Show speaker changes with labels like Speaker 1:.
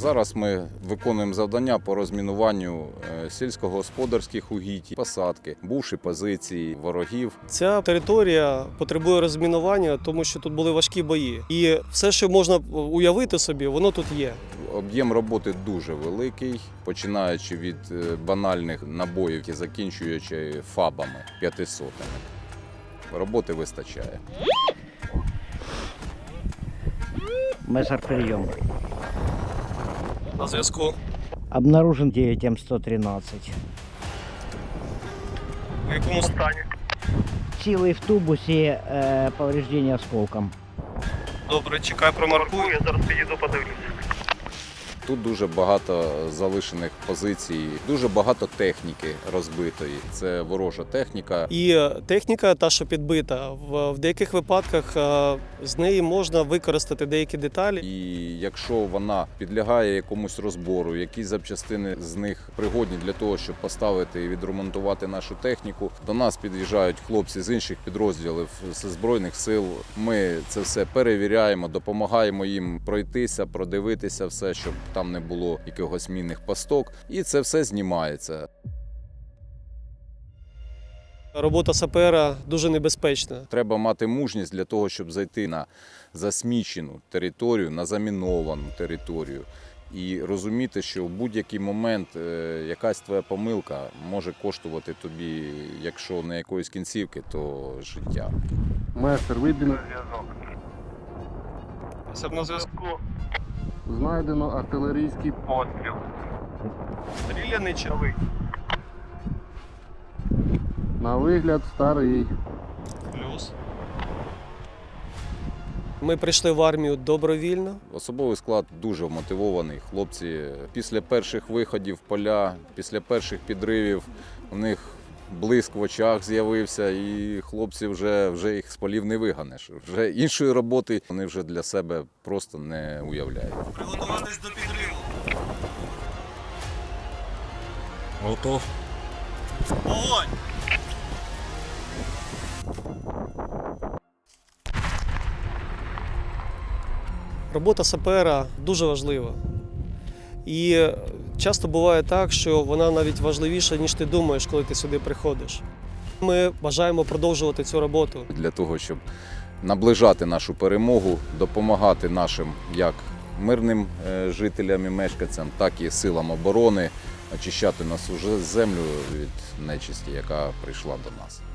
Speaker 1: Зараз ми виконуємо завдання по розмінуванню сільськогосподарських угідь, посадки, бувші позиції ворогів.
Speaker 2: Ця територія потребує розмінування, тому що тут були важкі бої. І все, що можна уявити собі, воно тут є.
Speaker 1: Об'єм роботи дуже великий, починаючи від банальних набоїв і закінчуючи фабами 500. Роботи вистачає.
Speaker 3: Мессер, прием.
Speaker 2: На зв'язку.
Speaker 3: Обнаружен 9М113.
Speaker 2: В якому стані?
Speaker 3: Силой в тубусе, повреждение осколком.
Speaker 2: Добре, чекай, промаркую, я зараз підійду, подивлюся.
Speaker 1: Тут дуже багато залишених позицій, дуже багато техніки розбитої. Це ворожа техніка.
Speaker 2: І техніка, та, що підбита, в деяких випадках з неї можна використати деякі деталі.
Speaker 1: І якщо вона підлягає якомусь розбору, якісь запчастини з них пригодні для того, щоб поставити і відремонтувати нашу техніку, до нас під'їжджають хлопці з інших підрозділів, з Збройних сил. Ми це все перевіряємо, допомагаємо їм пройтися, продивитися все, щоб там не було якихось мінних пасток. І це все знімається.
Speaker 2: Робота сапера дуже небезпечна.
Speaker 1: Треба мати мужність для того, щоб зайти на засмічену територію, на заміновану територію. І розуміти, що в будь-який момент якась твоя помилка може коштувати тобі, якщо не якоїсь кінцівки, то життя.
Speaker 4: Месер, вибіг.
Speaker 2: На зв'язку.
Speaker 4: Знайдено артилерійський постріл.
Speaker 2: Стріляний човий.
Speaker 4: На вигляд старий.
Speaker 2: Плюс. Ми прийшли в армію добровільно.
Speaker 1: Особовий склад дуже вмотивований. Хлопці після перших виходів в поля, після перших підривів у них блиск в очах з'явився, і хлопці вже їх з полів не виганеш. Вже іншої роботи вони вже для себе просто не уявляють.
Speaker 2: Приготуватись до підриву.
Speaker 5: Готов.
Speaker 2: Огонь! Робота сапера дуже важлива. І часто буває так, що вона навіть важливіша, ніж ти думаєш, коли ти сюди приходиш. Ми бажаємо продовжувати цю роботу.
Speaker 1: Для того, щоб наближати нашу перемогу, допомагати нашим як мирним жителям і мешканцям, так і силам оборони очищати нашу землю від нечисті, яка прийшла до нас.